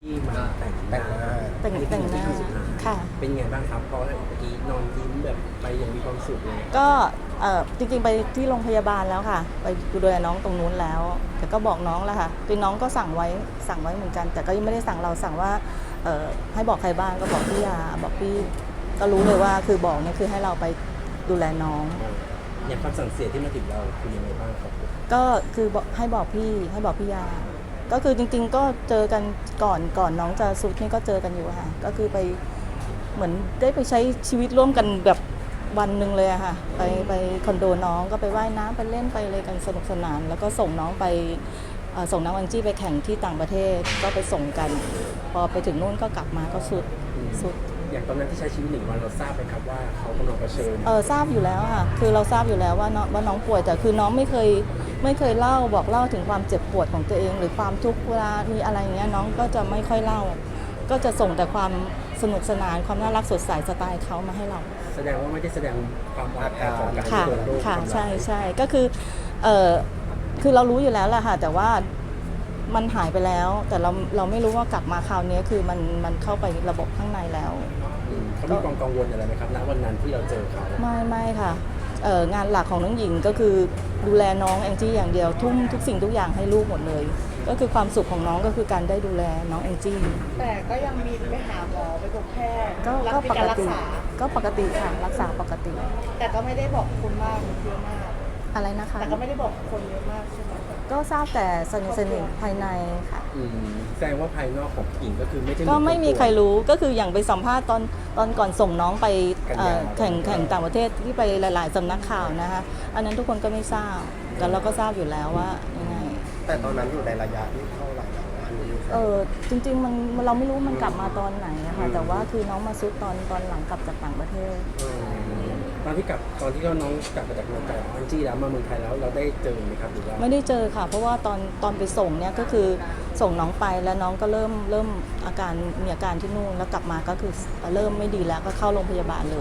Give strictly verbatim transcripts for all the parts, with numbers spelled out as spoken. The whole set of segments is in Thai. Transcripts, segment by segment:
ที่มาแต่งแต่งหน้าแต่งแต่งหน้าค่ะเป็นไงบ้างครับเพราะเมื่อกี้นอนยิ้มแบบไปอย่างมีความสุขเลยก็เอ่อจริงๆไปที่โรงพยาบาลแล้วค่ะไปดูแลน้องตรงนู้นแล้วแต่ก็บอกน้องแล้วค่ะคือน้องก็สั่งไว้สั่งไว้เหมือนกัน แต่ก็ยังไม่ได้สั่งเราสั่งว่าเอ่อให้บอกใครบ้างก็บอกพี่ยาบอกพี่ก็รู้เลยว่าคือบอกเนี่ยคือให้เราไปดูแลน้องอย่างคำสั่งเสียที่มาถึงเราคือยังไงบ้างครับก็คือบอกให้บอกพี่ให้บอกพี่ยา ก็คือจริงๆก็เจอกันก่อนก่อนน้องจะสุดนี่ก็เจอกันอยู่ค่ะก็คือไปเหมือนได้ไปใช้ชีวิตร่วมกันแบบวันหนึ่งเลยอะค่ะไปไปคอนโดน้องก็ไปว่ายน้ำไปเล่นไปอะไรกันสนุกสนานแล้วก็ส่งน้องไปเอ่อส่งน้องอังจี้ไปแข่งที่ต่างประเทศก็ไปส่งกัน พอไปถึงนู่นก็กลับมาก็สุดสุดอย่างตอนนั้นที่ใช้ชีวิตหนึ่งวันเราทราบไหมครับว่าเขากำลังเผชิญเออทราบอยู่แล้วค่ะคือเราทราบอยู่แล้วว่าน้องว่าน้องป่วยแต่คือน้องไม่เคยไม่เคยเล่าบอกเล่าถึงความเจ็บปวดของตัวเอง หรือความทุกข์เวลามีอะไรเงี้ยน้องก็จะไม่ค่อยเล่า ก็จะส่งแต่ความสนุกสนานความน่ารักสดใสสไตล์เขามาให้เราแสดงว่าไม่ได้แสดงความอ่อนแอของการค่ะเกิดโรคค่ะใช่ใช่ก็คือเออคือเรารู้อยู่แล้วแหละค่ะแต่ว่ามันหายไปแล้ว แต่เราเราไม่รู้ว่ากลับมาคราวนี้คือมันมันเข้าไประบบข้างในแล้วอืมเขามีความกังวลอะไรไหมครับณวันนั้นที่เราเจอเขาไม่ไม่ค่ะเอ่องานหลักของน้องหญิงก็คือดูแลน้องแองจี้อย่างเดียวทุ่มทุกสิ่งทุกอย่างให้ลูกหมดเลย ก็คือความสุขของน้องก็คือการได้ดูแลน้องแองจี้แต่ก็ยังมีไปหาหมอไปพบแพทย์ก็รับก็มีปการกรักติษาก็ปกติค่ะรักษาปกติแต่ก็ไม่ได้บอกคนมากเยอะมากอะไรนะคะแต่ก็ไม่ได้บอกคนเยอะมากใช่ไหมก็ทราบแต่สนิทสนิทภายในค่ะอืมแสดงว่าภายนอกของผู้หญิงก็คือไม่ใช่ก็ไม่มีใครรู้รู้ก็คืออย่างไปสัมภาษณ์ตอนตอนก่อนส่งน้องไปเอ่อกันยาแข่งแข่งต่างประเทศที่ไปหลาย ๆสำนักข่าวนะคะอันนั้นทุกคนก็ไม่ทราบแต่เราก็ทราบอยู่แล้วว่ายังไงแต่ตอนนั้นอยู่ในระยะที่เท่าไหร่แล้วอันนี้เออจริง ๆ มันเราไม่รู้มันกลับมาตอนไหนอะค่ะแต่ว่าคือน้องมาซุดตอนตอนหลังกลับจากต่างประเทศตอนที่กลับตอนที่น้องกลับมาจากเมืองไทยอังจี้แล้วมาเมืองไทยแล้วเราได้เจอไหมครับหรือว่าไม่ได้เจอค่ะ เพราะว่าตอนตอนไปส่งเนี่ยก็คือส่งน้องไปแล้วน้องก็เริ่มเริ่มอาการมีอาการที่นู่นแล้วกลับมาก็คือเริ่มไม่ดีแล้วก็เข้าโรงพยาบาลเลย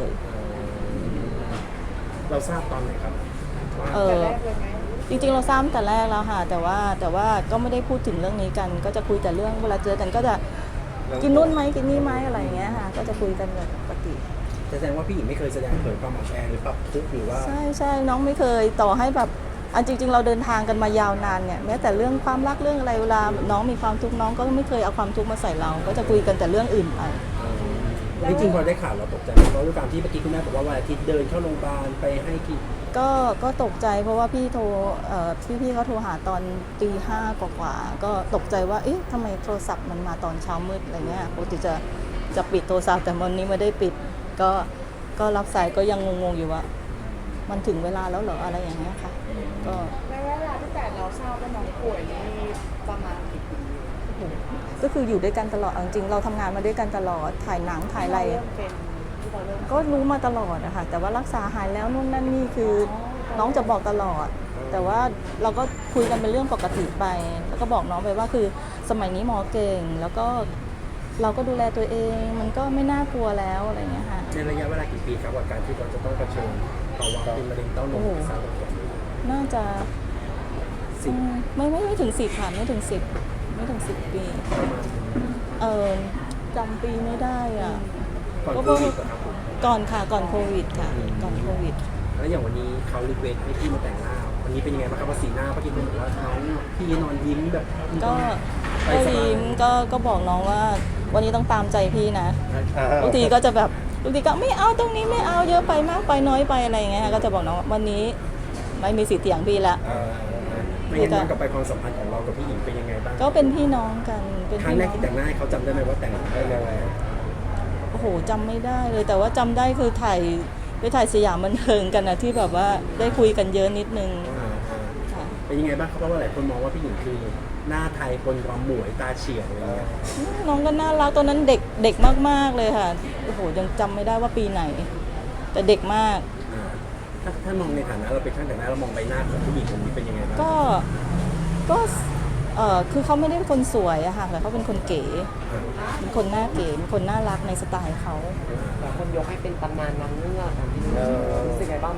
เราทราบตอนไหนครับว่าเอแต่อแรกเลยไหมจริงๆเราทราบตั้งแต่แรกแล้วค่ะแต่ว่าแต่ว่าก็ไม่ได้พูดถึงเรื่องนี้กัน ก็จะคุยแต่เรื่องเวลาเจอกันก็จะกินนู่นไหมกินนี่ไหมอะไรอย่างเงี้ยค่ะก็จะคุยกันแบบปกติแสดงว่าพี่หญิงไม่เคยแสดงเผยความอ่อนแอหรือปรับทุกข์หรือว่าใช่ใช่น้องไม่เคยต่อให้แบบอันจริง ๆ เราเดินทางกันมายาวนานเนี่ยแม้แต่เรื่องความรักเรื่องอะไรเวลาน้องมีความทุกข์น้องก็ไม่เคยเอาความทุกข์มาใส่เรา ก็จะคุยกันแต่เรื่องอื่นไปจริงๆพอได้ข่าวเราตกใจไหมเพราะด้วยการที่เมื่อกี้คุณแม่บอกว่าวันอาทิตย์เดินเข้าโรงพยาบาลไปให้กินก็ก็ตกใจเพราะว่าพี่โทรเอ่อพี่พี่เขาโทรหาตอนตีห้ากว่าๆก็ตกใจว่าเอ๊ะทำไมโทรศัพท์มันมาตอนเช้ามืดอะไรเงี้ยปกติจะจะปิดโทรศัพท์แต่วันนี้ไม่ได้ปิด ก็ก็รับสายก็ยังงงๆอยู่ว่า มันถึงเวลาแล้วเหรออะไรอย่างเงี้ยค่ะก็ในเวลาที่แต่เราทราบว่าน้องป่วยนี่ประมาณกี่ปีก็คืออยู่ด้วยกันตลอดเอาจริงๆเราทำงานมาด้วยกันตลอดถ่ายหนังถ่ายอะไรเริ่มเป็นที่เราเริ่มก็รู้มาตลอดอะค่ะแต่ว่ารักษาหายแล้วนู่นนั่นนี่คือน้องจะบอกตลอด แต่ว่าเราก็คุยกันเป็นเรื่องปกติไป แล้วก็บอกน้องไปว่าคือสมัยนี้หมอเก่ง แล้วก็เราก็ดูแลตัวเองมันก็ไม่น่ากลัวแล้วอะไรอย่างเงี้ยค่ะในระยะเวลากี่ปีครับกับการที่เราจะต้องเผชิญภาวะเป็นมะเร็งเต้านมไม่ทราบว่ากี่ปีน่าจะสิบอืมไม่ไม่ไม่ถึงสิบค่ะไม่ถึงสิบไม่ถึงสิบปีประมาณเออจำปีไม่ได้อ่ะก่อนโควิดเหรอครับผมก่อนค่ะก่อนโควิดค่ะก่อนโควิดแล้วอย่างวันนี้เขารีเควสให้พี่มาแต่งหน้าวันนี้เป็นยังไงบ้างครับว่าสีหน้าเมื่อกี้คุณบอกว่าน้องพี่นอนยิ้มแบบก็ไปก็สบายยิ้มก็ก็บอกน้องว่า วันนี้ต้องตามใจพี่นะอ่าบางทีก็จะแบบบางทีก็ไม่เอาตรงนี้ไม่เอาเยอะไปมากไปน้อยไปอะไรอย่างเงี้ยก็จะบอกน้องว่าวันนี้ไม่มีสิทธิ์เถียงพี่ละเอ่อไม่งั้นย้อนกลับไปความสัมพันธ์ของเรากับพี่หญิงเป็นยังไงบ้างก็เป็นพี่น้องกันเป็นครั้งพี่แรน้กองที่แต่งหน้าให้เขาจำได้ไหมว่าแต่งได้ยังไงโอ้โหจำไม่ได้เลย แต่ว่าจำได้คือถ่ายไปถ่ายสยามบันเทิงกันนะที่แบบว่าได้คุยกันเยอะนิดนึงอ่าค่ะๆเป็นยังไงบ้างครับเพราะว่าหลายคนมองว่าพี่หญิงคือหน้าไทยคนความหมวยตาเฉียวอะไรเงี้ยน้องก็น่ารักตอนนั้นเด็กเด็กมากๆเลยค่ะโอ้โหยังจำไม่ได้ว่าปีไหน แต่เด็กมากอ่าถ้าถ้ามองในฐานะเราเป็นช่างแต่งหน้าเรามองใบหน้าของผู้หญิงคนนี้เป็นยังไงบ้างก็ก็เออคือเขาไม่ได้เป็นคนสวยอะค่ะแต่เขาเป็นคนเก๋เป็นคนหน้าเก๋เป็นคนน่ารักในสไตล์เขาแต่คนยกให้เป็นตำนานนางเงือกอะพี่รู้สึกไงบ้างแบบ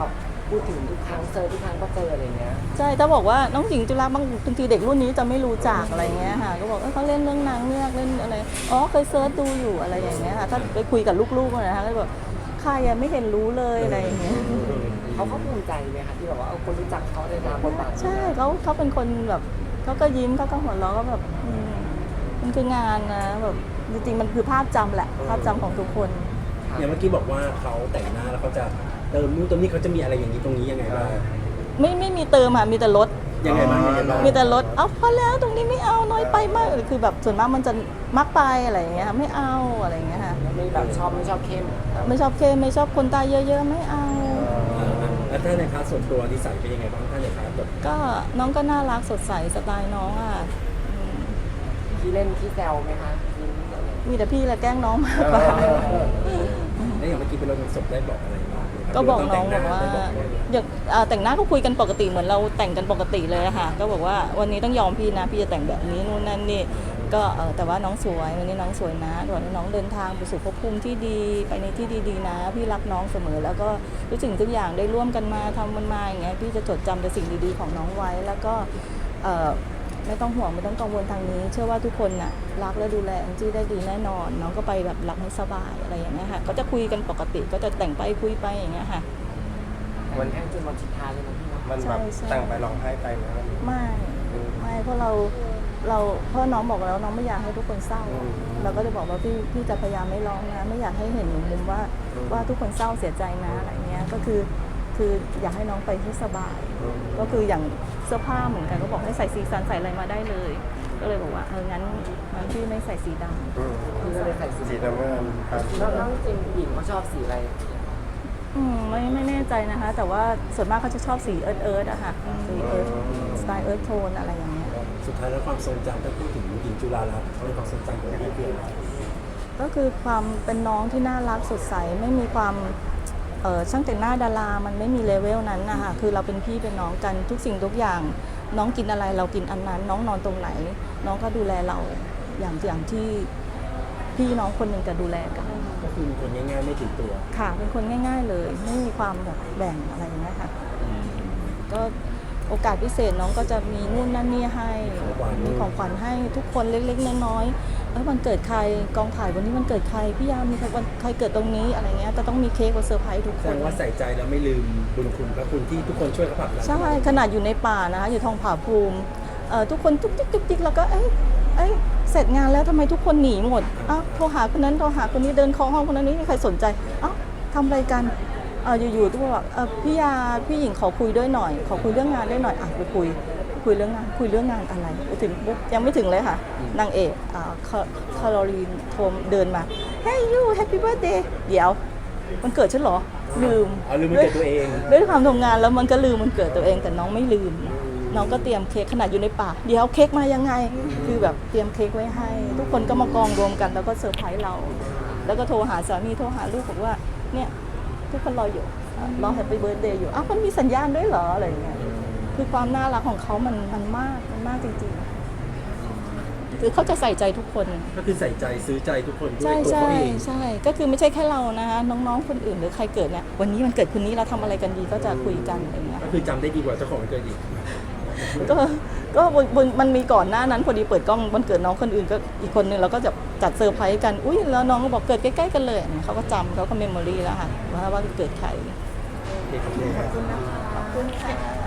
พูดถึงทุกครั้งเจอทุกครั้งก็เจออะไรเงี้ยใช่ถ้าบอกว่าน้องหญิงจุฬาบางบางทีเด็กรุ่นนี้จะไม่รู้จักอะไรเงี้ยค่ะก็บอกเออเขาเล่นเรื่องนางเงือกเล่นอะไรอ๋อเคยเซิร์ชดูอยู่อะไรอย่างเงี้ยค่ะถ้าไปคุยกับลูกๆนะคะก็แบบใครอะไม่เห็นรู้เลยอะไรอย่างเงี้ยเขาเขาภูมิใจไหมคะที่แบบว่าเออคนรู้จักเขาในนามบทบาทนี้ใช่เขาเขาเป็นคนแบบเขาก็ยิ้มเขาก็หัวเราะก็แบบอืมมันคืองานนะแบบจริงๆมันคือภาพจำแหละภาพจำของทุกคนอย่างเมื่อกี้บอกว่าเขาแต่งหน้าแล้วเขาจะเติมนู่นเติมนี่เขาจะมีอะไรอย่างนี้ตรงนี้ยังไงบ้างไม่ไม่มีเติมอ่ะมีแต่ลดยังไงบ้างยังไงบ้างมีแต่ลดเอาพอแล้วตรงนี้ไม่เอาน้อยไปมากคือแบบส่วนมากมันจะมักไปอะไรอย่างเงี้ยค่ะไม่เอาอะไรอย่างเงี้ยค่ะไม่แบบชอบไม่ชอบเข้มไม่ชอบเข้มไม่ชอบคนตาเยอะๆไม่เอาแล้วถ้าในพาร์ทส่วนตัวนิสัยเป็นยังไงบ้างถ้าในพาร์ทแบบก็น้องก็น่ารักสดใสสไตล์น้องอ่ะอืมที่เล่นที่แซวไหมคะยิ้มอะไรมีแต่พี่แหละแกล้งน้องมากกว่าแล้วอย่างเมื่อกี้เป็นรถศพได้บอกอะไรบ้างก็บอกน้องบอกว่าได้บอกไหมอย่างอ่าแต่งหน้าก็คุยกันปกติเหมือนเราแต่งกันปกติเลยอะค่ะก็บอกว่าวันนี้ต้องยอมพี่นะพี่จะแต่งแบบนี้นู่นนั่นนี่ก็เออแต่ว่าน้องสวยวันนี้น้องสวยนะก่อนน้องเดินทางไปสู่ภพภูมิที่ดีไปในที่ดีๆนะ พี่รักน้องเสมอ แล้วก็ทุกสิ่งทุกอย่างได้ร่วมกันมาทำมันมาอย่างเงี้ยพี่จะจดจำแต่สิ่งดีๆของน้องไว้แล้วก็เออไม่ต้องห่วงไม่ต้องกังวลทางนี้ เชื่อว่าทุกคนน่ะรักและดูแลแองจี้ได้ดีแน่นอน น้องก็ไปแบบหลับให้สบายอะไรอย่างเงี้ยค่ะก็จะคุยกันปกติก็จะแต่งไปคุยไปอย่างเงี้ยค่ะวันแท่งจนวันสุดท้ายเลยนะพี่เนาะมันแบบใช่ใช่แต่งไปร้องไห้ไปนะไม่ไม่เพราะเราเราเพราะน้องบอกแล้วน้องไม่อยากให้ทุกคนเศร้า เราก็จะบอกว่าพี่พี่จะพยายามไม่ร้องนะไม่อยากให้เห็นมุมว่าว่าทุกคนเศร้าเสียใจนะอะไรเงี้ยก็คือคืออยากให้น้องไปให้สบาย ก็คืออย่างเสื้อผ้าเหมือนกันก็บอกให้ใส่สีสันใส่อะไรมาได้เลย ก็เลยบอกว่าเอองั้นงั้นพี่ไม่ใส่สีดำอืมพี่ก็เลยใส่สีสีน้ำเงินครับแล้วแล้วจริงหญิงเขาชอบสีอะไรอืมไม่ไม่แน่ใจนะคะ แต่ว่าส่วนมากเขาจะชอบสีเอิร์ธเอิร์ธอะค่ะสีเอิร์ธสไตล์เอิร์ธโทนอะไรอย่างเงี้ยสุดท้ายแล้วความทรงจำถ้าพูดถึงหญิงจุฬาลัตน์เขาในความทรงจำของพี่คืออะไรก็คือความเป็นน้องที่น่ารักสดใสไม่มีความเออช่างแต่งหน้าดารามันไม่มีเลเวลนั้นนะคะคือเราเป็นพี่เป็นน้องกันทุกสิ่งทุกอย่าง น้องกินอะไรเรากินอันนั้น น้องนอนตรงไหน น้องก็ดูแลเราอย่างอย่างที่พี่น้องคนหนึ่งจะดูแลกันก็คือเป็นคนง่ายๆไม่ถือตัวค่ะเป็นคนง่าย ๆ เลยไม่มีความแบบแบ่งอะไรอย่างเงี้ยค่ะก็โอกาสพิเศษน้องก็จะมีนู่นนั่นนี่ให้มีของขวัญให้ทุกคนเล็กๆน้อยๆเอ้ยวันเกิดใครกองถ่ายวันนี้วันเกิดใครพี่ยามมีใครวันใครเกิดตรงนี้อะไรเงี้ยจะต้องมีเค้กมาเซอร์ไพรส์ทุกแสคดนงว่าใส่ใจแล้วไม่ลืมบุญคุณพระคุณที่ทุกคนช่วยเขาผลักดันใช่ขนาดอยู่ในป่านะคะอยู่ทองผาภูมิเอ่อทุกคนทุกจิกทุกจิกแล้วก็เอ้ยเอ้ยเสร็จงานแล้วทำไมทุกคนหนีหมดอ้าวโทรหาคนนั้นโทรหาคนนี้เดินเคาะห้องคนนั้นไม่มีใครสนใจอ้าวทำอะไรกันเอออยู่ๆทุกคนบอกเออพี่ยาพี่หญิงขอคุยด้วยหน่อย ขอคุยเรื่องงานด้วยหน่อยอ่ะไปคุยคุยเรื่องงานคุยเรื่องงานอะไรไปถึงปุ๊บยังไม่ถึงเลยค่ะนางเอกอ่าคาโรลีนโทรเดินมา Hey you Happy Birthday เดี๋ยวมันเกิดฉันเหรอลืมเอาลืมมันเกิดตัวเองด้วยความทำงานแล้วมันก็ลืมมันเกิดตัวเองแต่น้องไม่ลืม น้องก็เตรียมเค้กขนาดอยู่ในป่าเดี๋ยวเค้กมายังไง คือแบบเตรียมเค้กไว้ให้ ทุกคนก็มากองรวมกันแล้วก็เซอร์ไพรส์เรา แล้วก็โทรหาสามีโทรหาลูกบอกว่าเนี่ยทุกคนรออยู่อ่ะรอแฮปปี้เบิร์ธเดย์อยู่อ้าวมันมีสัญญาณด้วยเหรออะไรอย่างเงี้ยคือความน่ารักของเขามันมันมากมันมากจริงๆคือเขาจะใส่ใจทุกคนก็คือใส่ใจซื้อใจทุกคนด้วยใช่ตัวใช่เขาเองใช่ก็คือไม่ใช่แค่เรานะคะน้องๆคนอื่นหรือใครเกิดเนี่ยวันนี้มันเกิดคนนี้เราทำอะไรกันดีก็จะคุยกันอะไรอย่างเงี้ยก็คือจำได้ดีกว่าเจ้าของวันเกิดอีกก็ก็บนบนมันมีก่อนหน้านั้นพอดีเปิดกล้องวันเกิดน้องคนอื่นก็อีกคนนึงเราก็จะจัดเซอร์ไพรส์กันอุ้ยแล้วน้องก็บอกเกิดใกล้ๆกันเลยเขาก็จำเขาก็เมมโมรี่แล้วค่ะว่าว่าเกิดใครโอเคครับขอบคุณนะคะขอบคุณค่ะ